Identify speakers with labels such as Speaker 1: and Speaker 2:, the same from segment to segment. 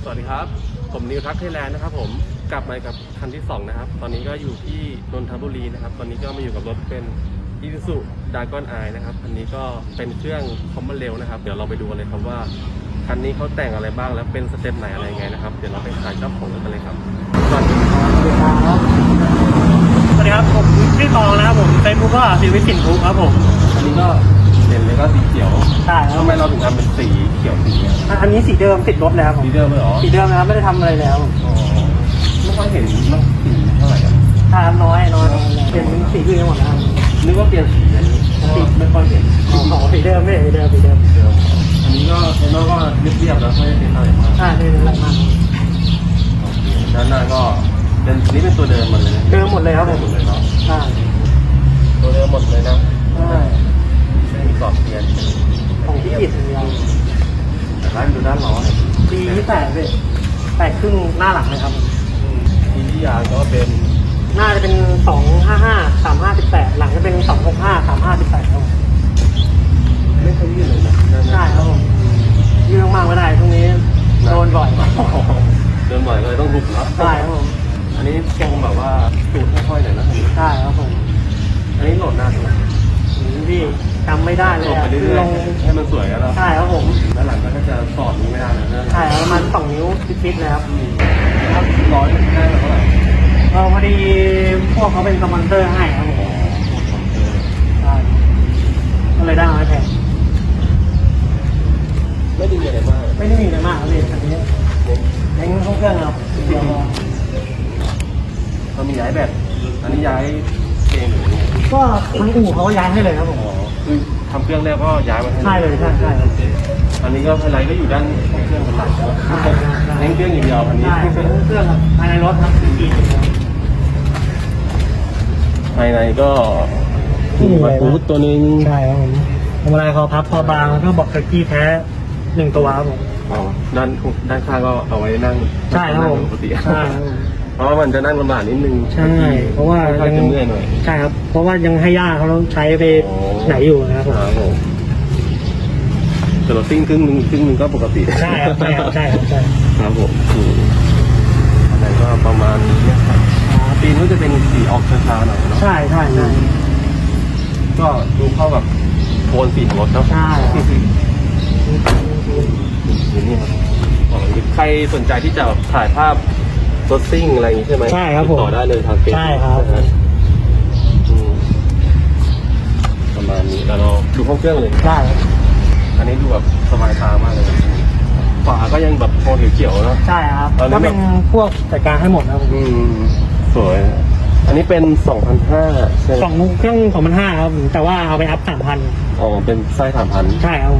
Speaker 1: สวัสดีครับผมนิวทักไทยแลนด์นะครับผมกลับมากับคันที่2นะครับตอนนี้ก็อยู่ที่นนทบุรีนะครับตอนนี้ก็มาอยู่กับรถเป็น Isuzu Dragon Eye นะครับอันนี้ก็เป็นเครื่องคอมมอนเร็วนะครับเดี๋ยวเราไปดูกันเลยครับว่าคันนี้เขาแต่งอะไรบ้างแล้วเป็นสเต็ปไหนอะไรยังไงนะครับเดี๋ยวเราไปถ่ายเจ้าของรถกันเลยครับสวัสดีครับ
Speaker 2: สวัสดีครับผมชื่อตองนะครับผมเฟซบุ๊กก็ชีวิตสินทุกครับผม
Speaker 1: อันนี้ก็เห็นเลยก็สีเขียว
Speaker 2: ใช่ครับ
Speaker 1: ทำไมเราถึงทำเป็นสีเขียวสีเนี่ย
Speaker 2: อันนี้สีเดิมติดรถแล้วครับผม
Speaker 1: สีเดิมเลยเหรอ
Speaker 2: สีเดิมนะครับไม่ได้ทำอะไรแล้ว
Speaker 1: อ๋อไม่ค่อยเห็นมันสีเท่าไหร่อะ
Speaker 2: ทาน้อยเป็นสีอื่นหมดแล้ว
Speaker 1: นึกว่าเปลี่ยนสีอันนี้ไม่ค่อยเห็น
Speaker 2: อ๋อสีเดิมไม่สีเดิม
Speaker 1: อันนี้ก็เทนโนก็เรียบๆแล้วไม่ได้เป็นอะไรมาก
Speaker 2: ใช่เป็นอะไรมาก
Speaker 1: ด้านหน้าก็เป็นนี่เป็นตัวเดิมหมดเลย
Speaker 2: เดิมหมดเลยครับผม
Speaker 1: หมดเลยเนาะ
Speaker 2: ใช่
Speaker 1: ตัวเดิมหมดเลยนะ
Speaker 2: ใช่
Speaker 1: ไม่มีกรอบเปลี่ยน
Speaker 2: ของที่อิดอย่างเดียว
Speaker 1: แต่ด้านดูด้านล้อเนี่ย
Speaker 2: ปีที่แตกครึ่งหน้าหลังเลยครับ
Speaker 1: ทีที่ยางก็เป็น
Speaker 2: หน้าจะเป็น255 3518หลังจะเป็น265 3518ครับ
Speaker 1: ไม่ค่อยยืดเลยนะด้านหน้า
Speaker 2: ใช่ครับผมยืดมากไม่ได้ช่วงนี้โดนบ่อย
Speaker 1: เดินบ่อยเลยต้องหุบเนาะ
Speaker 2: ใช่ครับผม
Speaker 1: อันนี้ทรงแบบว่าสูดค่อยๆหน่อยนะอันนี้
Speaker 2: ใช่ครับผม
Speaker 1: อันนี้โหลดหน้าถูกไหม
Speaker 2: พี่จำไม่ได้เลย
Speaker 1: ลง
Speaker 2: อะ
Speaker 1: ไปเรื่
Speaker 2: คือ
Speaker 1: อย
Speaker 2: ลง
Speaker 1: ๆให้มันสวยกันแล้ว
Speaker 2: ใช่ครับผม
Speaker 1: ด้านหลังก็จะสอดนี้ไม่ได้นะ
Speaker 2: ใช่ประมาณ2 นิ้วฟิตๆเลยครับ
Speaker 1: ถ้าร้อยได้เท่าไหร่
Speaker 2: พอดีพวกเขาเป็นสปอนเซอร์ให้ครับผมใช่ก็เลยได้มาแพง
Speaker 1: ไม่ได้มีอะไรมาก
Speaker 2: ไม่ได้มีอะไรมากครับพี่อันนี้เล้งเครื่องครับเดียวพอ
Speaker 1: เรามีย้ายแบบอันนี้ย้ายเองหรือ
Speaker 2: ก็ทั้งอู่เขาก็ย้ายให้เลยครับผม
Speaker 1: อ๋อคือทำเครื่องแล้วก็ย้ายมาให้
Speaker 2: ใช่เลยใช่ครับ
Speaker 1: อันนี้ก็ไฮไลท์ก็อยู่ด้านของเครื่องเป็นหลักใช่ไหมเน้นเครื่องอย่างเดียวอันนี้
Speaker 2: ใช่เป็นเครื่องครับภายในรถครับอีก
Speaker 1: ภายในก็มีมาฟูดตัวนึง
Speaker 2: ใช่ครับผมทำอะไรคอพับคอบางแล้วก็บอกเทอร์กี้แท้1 ตัวครับผม
Speaker 1: อ๋อด้านข้างก็เอาไว้นั่ง
Speaker 2: ใช่ครับผม
Speaker 1: ปกติ
Speaker 2: ใช่ครับผม
Speaker 1: เพราะว่ามันจะนั่งลำบากนิดนึง
Speaker 2: ใช่เพราะว่า
Speaker 1: ค่อนข้างจะเมื่อยหน่อย
Speaker 2: ใช่ครับ เพราะว่ายังให้ย่าเขาต้องใช้ไป
Speaker 1: อ๋อ
Speaker 2: ไหนอยู่นะครับผม
Speaker 1: ครับผมแต่เราซิ่งครึ่งนึงก็ปกติ
Speaker 2: ใช่ครับใช่ครับใช่ครับใช่
Speaker 1: ครับผมอันไหนก็ประมาณนี้นะครับปีนก็จะเป็นสีออกช้าๆหน่อยเนาะ
Speaker 2: ใช่ใช่ใช่
Speaker 1: ก็ดูเข้ากับโทนสีของรถเนาะ
Speaker 2: ใช่
Speaker 1: นี่ครับใครสนใจที่จะถ่ายภาพรถซิ่งอะไรอย่างนี้ใช่ไหม
Speaker 2: ใช่ครับผม
Speaker 1: ติดต่อได้เลยทางเฟซ
Speaker 2: ใช่ครับ
Speaker 1: ประมาณนี้แล้วเราดูห้องเครื่องเลย
Speaker 2: ได้ครับ
Speaker 1: อันนี้ดูแบบสบายตามากเลยฝาก็ยังแบบโทนเขียวๆเนาะ
Speaker 2: ใช่ครับ
Speaker 1: ตอนนี้
Speaker 2: ก็เป็นพวกจัดการให้หมดนะครับผม
Speaker 1: สวย อันนี้เป็น 2,500ใช่ไหม
Speaker 2: สองเครื่อง2,500ครับแต่ว่าเอาไปอัพ3,000
Speaker 1: อ๋อเป็นไส้3,000
Speaker 2: ใช่ครับผม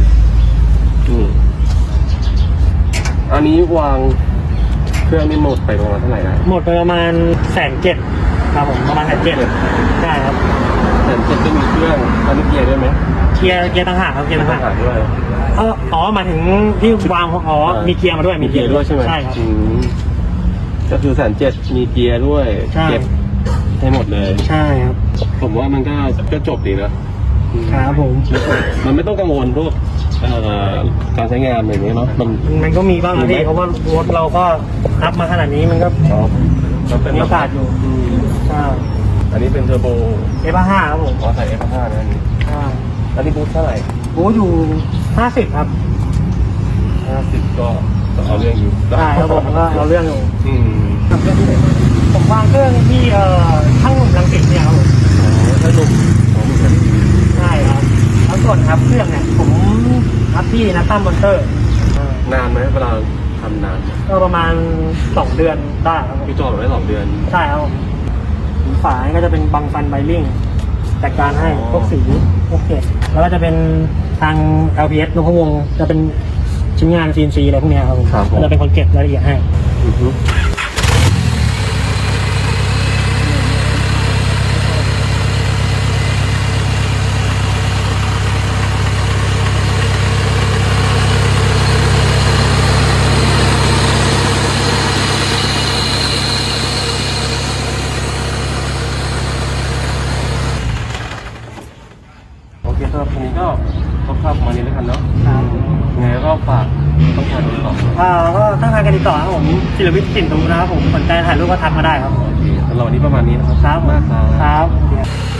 Speaker 1: อันนี้วางเครื่องนี่หมดไปประมาณเท่าไหร่นะ
Speaker 2: หมดไปประมาณ170,000ครับผมประมาณ170,000ใช่ครับ
Speaker 1: แต่จะเป็นมีเครื่องอันนี้เกียร์ด้วยไหม
Speaker 2: เกียร์ต่างหากครับเกียร์ต่างหาก
Speaker 1: ด้วย
Speaker 2: อ๋อหมายถึงที่วางอ๋อมีเกียร์มาด้วย
Speaker 1: มีเกียร์ด้วยใช่ไหม
Speaker 2: ใช่ครับ
Speaker 1: ก็คือ170,000มีเกียร์ด้วย
Speaker 2: ใช่
Speaker 1: เก็บให้หมดเลย
Speaker 2: ใช่ครับ
Speaker 1: ผมว่ามันก็จบดีนะครับ
Speaker 2: ผม
Speaker 1: มันไม่ต้องกังวลพวกการใช้งานอะไรอย่างเงี้ยเนาะมัน
Speaker 2: ก็มีบ้างนะพี่เพราะว่ารถเราก็อัพมาขนาดนี้มันก็
Speaker 1: เป็น
Speaker 2: มีโอกาสอยู่ ใช่
Speaker 1: อันนี้เป็นเทอร์โบ
Speaker 2: F5 ครับผม
Speaker 1: ใส่ F5 นะอันนี้
Speaker 2: ใช่
Speaker 1: อันนี้บูทเท่าไหร่
Speaker 2: โอ้อยู่50ครับ
Speaker 1: 50ก็เอาเรื่องอยู่
Speaker 2: ใช่ครับผมก็เอาเรื่องอยู่
Speaker 1: อืม
Speaker 2: ผมวางเครื่องที่ช่างหนุ่มรังสิตเนี่ยครับผม
Speaker 1: ถ้าหนุ่มของมึง
Speaker 2: ใช่ครับแล้วส่วนครับเครื่องเนี่ยผมรับที่นัตตัมมอนเตอร์
Speaker 1: นานไหมเวลาทำนาน
Speaker 2: ก็ประมาณ2 เดือนได้ครับผม
Speaker 1: พี่จอดไว้2 เดือน
Speaker 2: ใช่ครับผมฝาก็จะเป็นบังฟันไบลิ่งจัดการให้พวกสีพวกเกล็ดแล้วก็จะเป็นทาง LPS นพวงศ์จะเป็นชิ้นงาน CNC อะไรพวกเนี้ยครับผมก็จะเป็นคนเก็บรายละเอียดให้
Speaker 1: โอเคสำหรับวันนี้ก็คร่าวๆประมาณนี้แล้วกันเนาะ
Speaker 2: ครับ
Speaker 1: ยังไงก็ฝากต้องการติดต่อ
Speaker 2: ก็ตั้งทางการติดต่อครับผมศิลวิทย์ปิ่นตูนะครับผมสนใจถ่ายรูปก็ทักมาได้ครับ
Speaker 1: โอเคสำหรับวันนี้ประมาณนี้นะครับ
Speaker 2: ครับ
Speaker 1: มากครับ
Speaker 2: ครับ